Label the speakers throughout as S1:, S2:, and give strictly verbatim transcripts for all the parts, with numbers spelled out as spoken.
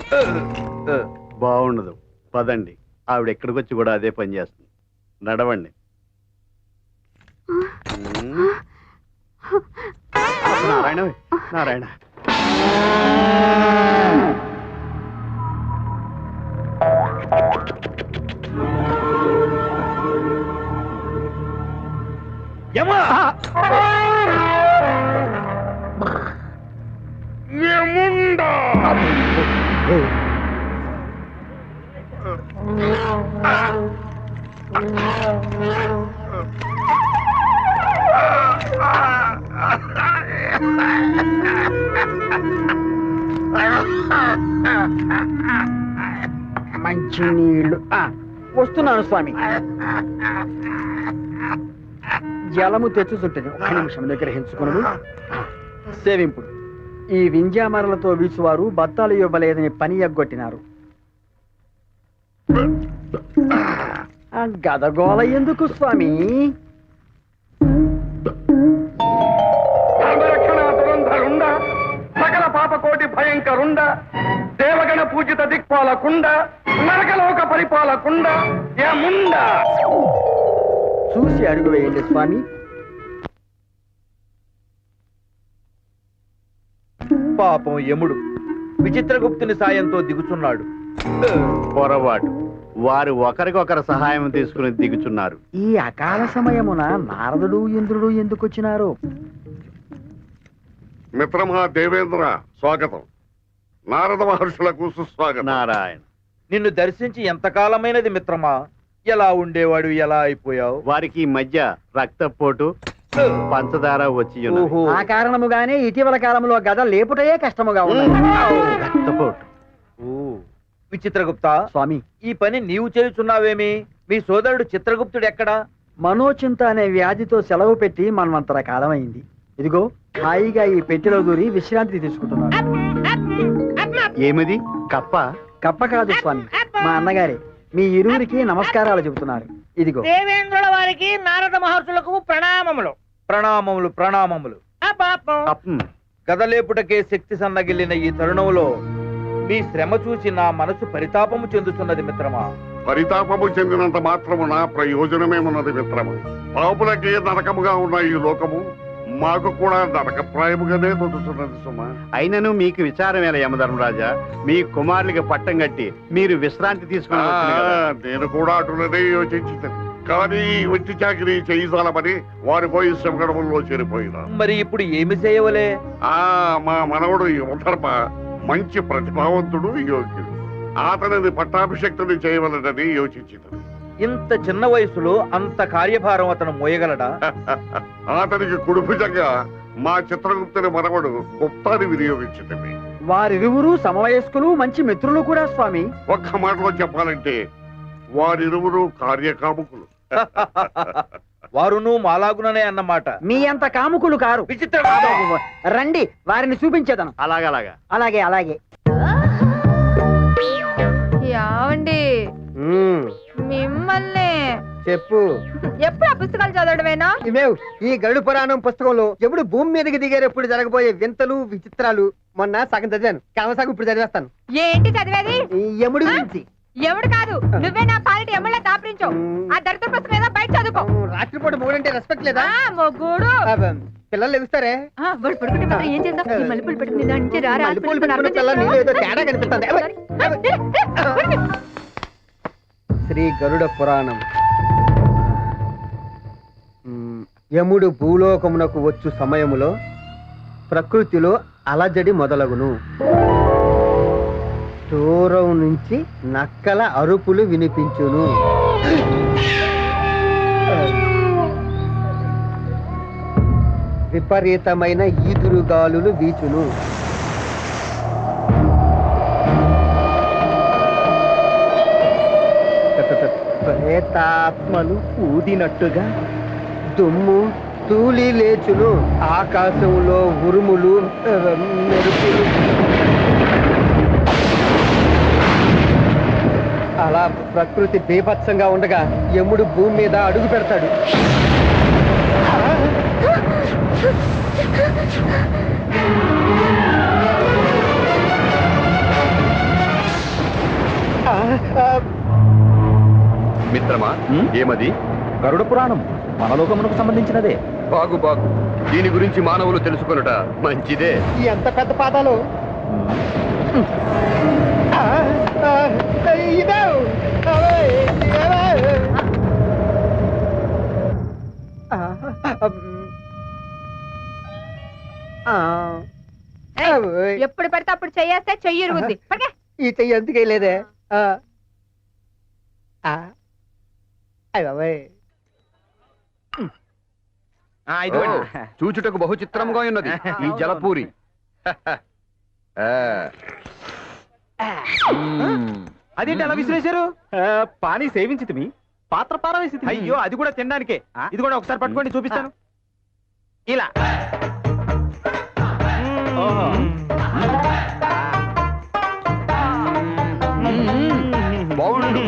S1: బాగుండదు, పదండి. ఆవిడ ఎక్కడికి వచ్చి కూడా అదే పని చేస్తుంది. నడవండి. నారాయణ నారాయణ
S2: యమా యముండా
S3: మంచి నీళ్లు వస్తున్నాను స్వామి. జలము తెచ్చుతుంటది. ఒక నిమిషం దగ్గర హెంచుకును. సేవింపుడు ఈ వింజామరలతో వీచువారు బత్తాలు ఇవ్వలేదని పని ఎగ్గొట్టినారు. గదగోళ ఎందుకు స్వామి?
S2: సకల పాపకోటి భయంకరుండ, దేవగణ పూజిత దిక్పాలకుండ, నరకలోక పరిపాలకుండ, యముండ.
S3: చూసి అడుగు వేయండి స్వామి.
S4: పాపం యముడు విచిత్రగుప్తుని సాయంతో దిగుచున్నాడు.
S1: పొరపాటు, వారు ఒకరికొకరు సహాయం తీసుకుని దిగుచున్నారు.
S3: ఈ అకాల సమయమున నారదుడు ఇంద్రుడు ఎందుకు వచ్చినారు?
S5: మిత్రమా దేవేంద్ర, స్వాగతం. నారద మహర్షులకు సుస్వాగతం.
S1: నారాయణ,
S4: నిన్ను దర్శించి ఎంతకాలమైనది మిత్రమా? ఎలా ఉండేవాడు, ఎలా అయిపోయావు?
S1: వారికి ఈ మధ్య రక్తపోటు, పంచదార వచ్చి ఉన్నవి.
S3: ఆ కారణముగానే ఇటీవల కాలంలో గద లేపుటయే కష్టముగా ఉన్నది.
S1: రక్తపోటు.
S4: ఓ విచిత్రగుప్త
S3: స్వామి,
S4: ఈ పని నీవు చేయుచున్నావేమి? మీ సోదరుడు చిత్రగుప్తుడు ఎక్కడా?
S3: మనోచింత అనే వ్యాధితో సెలవు పెట్టి మనమంతర కాలమైంది. ఇదిగో హాయిగా ఈ పెట్టెలో దూరి విశ్రాంతి తీసుకుంటున్నాను.
S1: ఏమిది? కప్ప?
S3: కప్ప కాదు స్వామి, మా అన్నగారే మీ ఇరువురికి నమస్కారాలు చెబుతున్నారు. ఇదిగో.
S6: దేవేంద్రుల వారికి నారద మహర్షులకు ప్రణామములు.
S4: ప్రణామములు ప్రణామములు.
S1: కప్పం.
S4: గదలేపుటకే శక్తి సన్నగిల్లిన ఈ తరుణంలో మీ శ్రమ చూసి నా మనసు పరితాపము చెందుతున్నది మిత్రమా.
S5: పరితాపము చెందినంత మాత్రమున ప్రయోజనమేమున్నది మిత్రమా? పాపులకి నరకముగా ఉన్న ఈ లోకము మాకు కూడా నరకప్రాయముగానే తొలుతున్నది సుమా.
S1: అయినను మీకు విచారం ఎలా యమధర్మరాజా? మీ కుమారులకి పట్టం కట్టి మీరు విశ్రాంతి తీసుకుని
S5: నేను కూడా అటులనే యోచించింది. కానీ వచ్చి చాకిరి చేయించాలమని వారి పోయి శ్రమగడముల్లో చేరిపోయినా.
S4: మరి ఇప్పుడు ఏమి చేయవలే?
S5: ఆ మా మనవడు యువధర్మ మంచి ప్రతిభావంతుడు, యోగ్యుడు. అతనిని పట్టాభిషక్తుని చేయవలనని యోచించింది.
S4: ఇంత చిన్న వయసులో అంత కార్యభారం అతను మోయగలడా?
S5: అతనికి కుడుపుజంగా మా చిత్రగుప్తుని మనవడు గుప్తాన్ని వినియోగించింది.
S3: వారిరువురు సమవయస్కులు, మంచి మిత్రులు కూడా స్వామి.
S5: ఒక్క మాటలో చెప్పాలంటే వారిరువురు కార్యకాముకులు.
S4: వారును మాలాగుననే అన్నమాట.
S3: మీ అంత కాముకులు కారు.
S4: విచిత్ర
S3: రండి, వారిని చూపించేదను.
S1: అలాగలాగా
S3: అలాగే అలాగే.
S7: యావండి మిమ్మల్ని
S3: చెప్పు.
S7: ఎప్పుడు ఆ పుస్తకాలు చదవడమేనా?
S3: ఇవేవ్ ఈ గరుడు పురాణం పుస్తకంలో ఎప్పుడు భూమి మీదకి దిగేటప్పుడు జరగబోయే వింతలు విచిత్రాలు మొన్న సగం చదివాను. కావసాగు ఇప్పుడు చదివేస్తాను.
S7: ఏంటి చదివేది?
S3: యముడి గురించి.
S7: ఎవడు కాదు, నువ్వే నా పాలిటి ఎమ్మెళ్ళ దాపరించు. ఆ దరిద్ర పుస్తకం ఏదో బయట చదువుకో.
S3: రాత్రిపూట మూడంటే రెస్పెక్ట్ లేదా?
S7: మొగ్గుడు
S3: పిల్లలు లెగుస్తారే.
S7: వాడు పడుకుంటే మాత్రం ఏం చేద్దాం? ఈ మల్లెపూలు పెట్టుకుని దాని నుంచి రారా.
S3: మల్లెపూలు పెట్టుకున్న పిల్లలు నీళ్ళు ఏదో తేడా కనిపిస్తుంది. శ్రీ గరుడ పురాణం. యముడు భూలోకమునకు వచ్చు సమయములో ప్రకృతిలో అలజడి మొదలగును. దూరం నుంచి నక్కల అరుపులు వినిపించును. విపరీతమైన ఈదురుగాలులు వీచును. ప్రేతాత్మలు ఊదినట్టుగా దుమ్ము తూలి లేచును. ఆకాశంలో ఉరుములు మెరుపులు. అలా ప్రకృతి బీభత్సంగా ఉండగా యముడు భూమి మీద అడుగు పెడతాడు.
S1: మిత్రమా ఏమది?
S4: గరుడ పురాణం మన లోకమునకు సంబంధించినదే.
S1: బాగు బాగు, దీని గురించి మానవులు తెలుసుకొనుట మంచిదే.
S3: ఎంత పెద్ద పాదాలు! ఇదే
S7: ఎప్పుడు పడితే అప్పుడు చెయ్యేస్తే చెయ్యి ఇరుగుద్ది. పడకే.
S3: ఈ చెయ్యి ఎందుకే లేదే?
S1: చూచుటకు బహు చిత్రంగా ఉన్నది ఈ జలపూరి.
S4: అదేంటి అలా విసిరేశారు? పానీ సేవించి మీ పాత్ర పారవేసి. అయ్యో, అది కూడా తినడానికే. ఇది కూడా ఒకసారి పట్టుకోండి, చూపిస్తాను. ఇలా
S1: బాగుండు.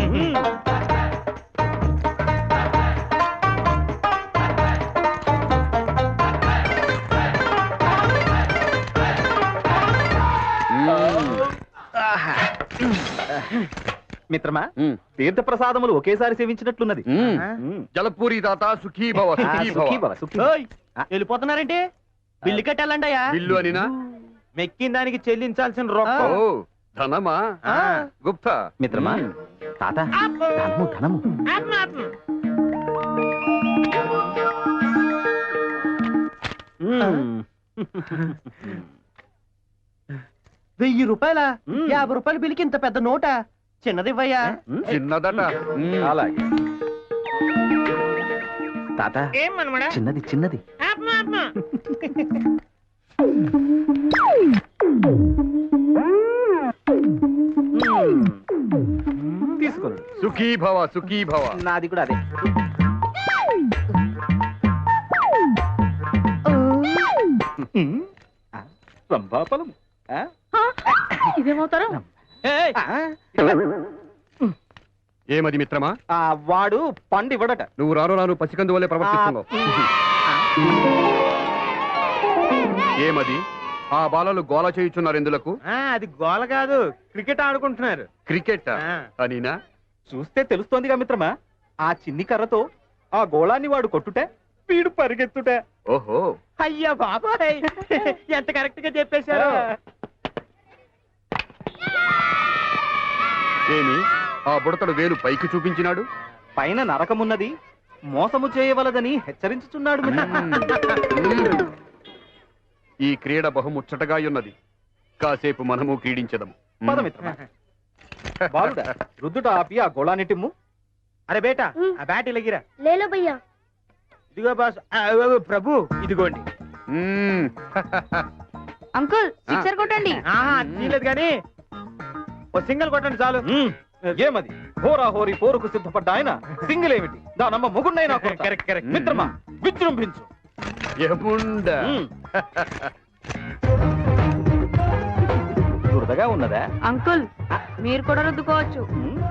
S4: మిత్రమా, తీర్థ ప్రసాదములు ఒకేసారి సేవించినట్లున్నది.
S1: జలపూరి దాత సుఖీ భవ, సుఖీ భవ.
S6: వెళ్ళిపోతున్నారంటే బిల్లు కట్టాలంటయ్యా.
S1: బిల్లు అనినా?
S6: మెక్కిన దానికి చెల్లించాల్సిన రొక్క.
S1: ఓ, ధనమా? గుప్తా
S4: మిత్రమా, తాత ధనము ధనము.
S6: వెయ్యి రూపాయల యాభై రూపాయల బిల్లుకి ఇంత పెద్ద నోట చిన్నదివ్వయ్యా.
S1: చిన్నదట.
S4: అలాగే తాత,
S6: ఏం మనమడా?
S4: చిన్నది చిన్నది. తీసుకోండి.
S1: సుఖీ భవ, సుఖీ భవ.
S4: నాది కూడా అదే. రంభాఫలం.
S7: ఇదేమవుతారు?
S1: ఏమది మిత్రమా?
S4: వాడు పండు ఇవ్వడట.
S1: నువ్వు రాను రాను పసికందు వల్లే ప్రవర్తిస్తున్నావు. ఏమది? ఆ బాలలు గోల చేయుచున్నారు ఎందులకు?
S6: అది గోల కాదు, క్రికెట్ ఆడుకుంటున్నారు.
S1: క్రికెట్ అనినా?
S4: చూస్తే తెలుస్తోందిగా మిత్రమా, ఆ చిన్ని కర్రతో ఆ గోళాన్ని వాడు కొట్టుటే వీడు పరిగెత్తుటే.
S1: ఓహో,
S6: అయ్యా బాబాయ్, ఎంత కరెక్ట్ గా చెప్పేశారు.
S1: ఏమి ఆ బుడతడు వేలు పైకి చూపించినాడు?
S4: పైన నరకమున్నది, మోసము చేయవలదని హెచ్చరించుచున్నాడు.
S1: ఈ క్రీడ బహుముచ్చటగా ఉన్నది. కాసేపు మనము క్రీడించదము.
S4: పదమిత్రమా. బాలుడా, రుద్దుట ఆపి ఆ గోళాన్నిటిమ్ము.
S6: అరే బేటా, ఆ బ్యాట్ ఇలాగిరా.
S7: లేలో భయ్యా.
S6: ఇదిగో బాస్. ప్రభు ఇదిగోండి.
S7: అంకుల్ సిక్సర్ కొట్టండి.
S6: ఆహా, తీయలేదు కానీ ఓ సింగిల్ కొట్టండి చాలు.
S4: ఏమది? హోరా హోరీ పోరుకు సిద్ధపడ్డ ఆయన సింగిల్ ఏమిటి? దానమ్మ ముగుండైనా
S6: కరెక్ట్ కరెక్ట్.
S4: మిత్రమా, విజృంభించు.
S1: ఏముండా?
S4: దురదగా ఉన్నదా?
S7: అంకుల్ మీరు కూడా రుద్దుకోవచ్చు.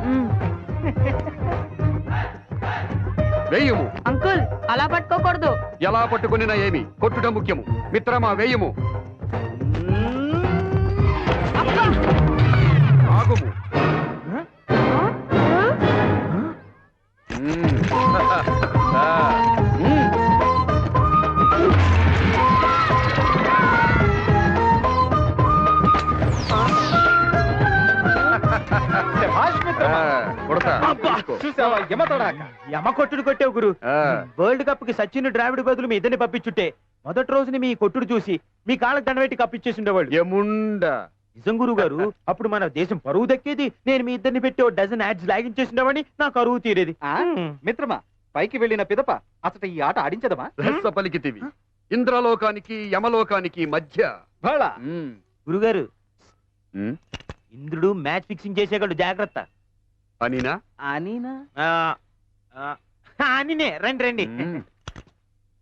S1: వేయము.
S7: అంకుల్ అలా పట్టుకోకూడదు.
S1: ఎలా పట్టుకునినా ఏమి, కొట్టుట ముఖ్యము. మిత్రమా, వేయము. ఆగుము.
S4: చూసావా యమతడాక?
S6: యమ కొట్టుడు కొట్టావు గురు. వరల్డ్ కప్ కి సచిన్ ద్రావిడ్ బదులు మీ ఇద్దరిని పంపించుంటే మొదటి రోజుని మీ కొట్టుడు చూసి మీ కాళ్ళకి దండబెట్టి కప్పిచ్చేసి ఉండేవాళ్ళు.
S1: ఏముండా?
S6: నిజం గురువు గారు, అప్పుడు మన దేశం పరువు దక్కేది. నేను మీ ఇద్దరిని పెట్టి ఓ డజన్ యాడ్స్ లాగించేసి ఉండేవాడిని, నా కరువు తీరేది.
S4: మిత్రమా, పైకి వెళ్ళిన పిదప అసలు ఈ ఆట ఆడించదమా?
S1: రహస్య పలికితివి. ఇంద్రలోకానికి యమలోకానికి మధ్య.
S6: గురుగారు, ఇంద్రుడు మ్యాచ్ ఫిక్సింగ్ చేసేవాళ్ళు, జాగ్రత్త.
S1: అనినా?
S4: అనినా?
S6: అనినే. రండి రండి.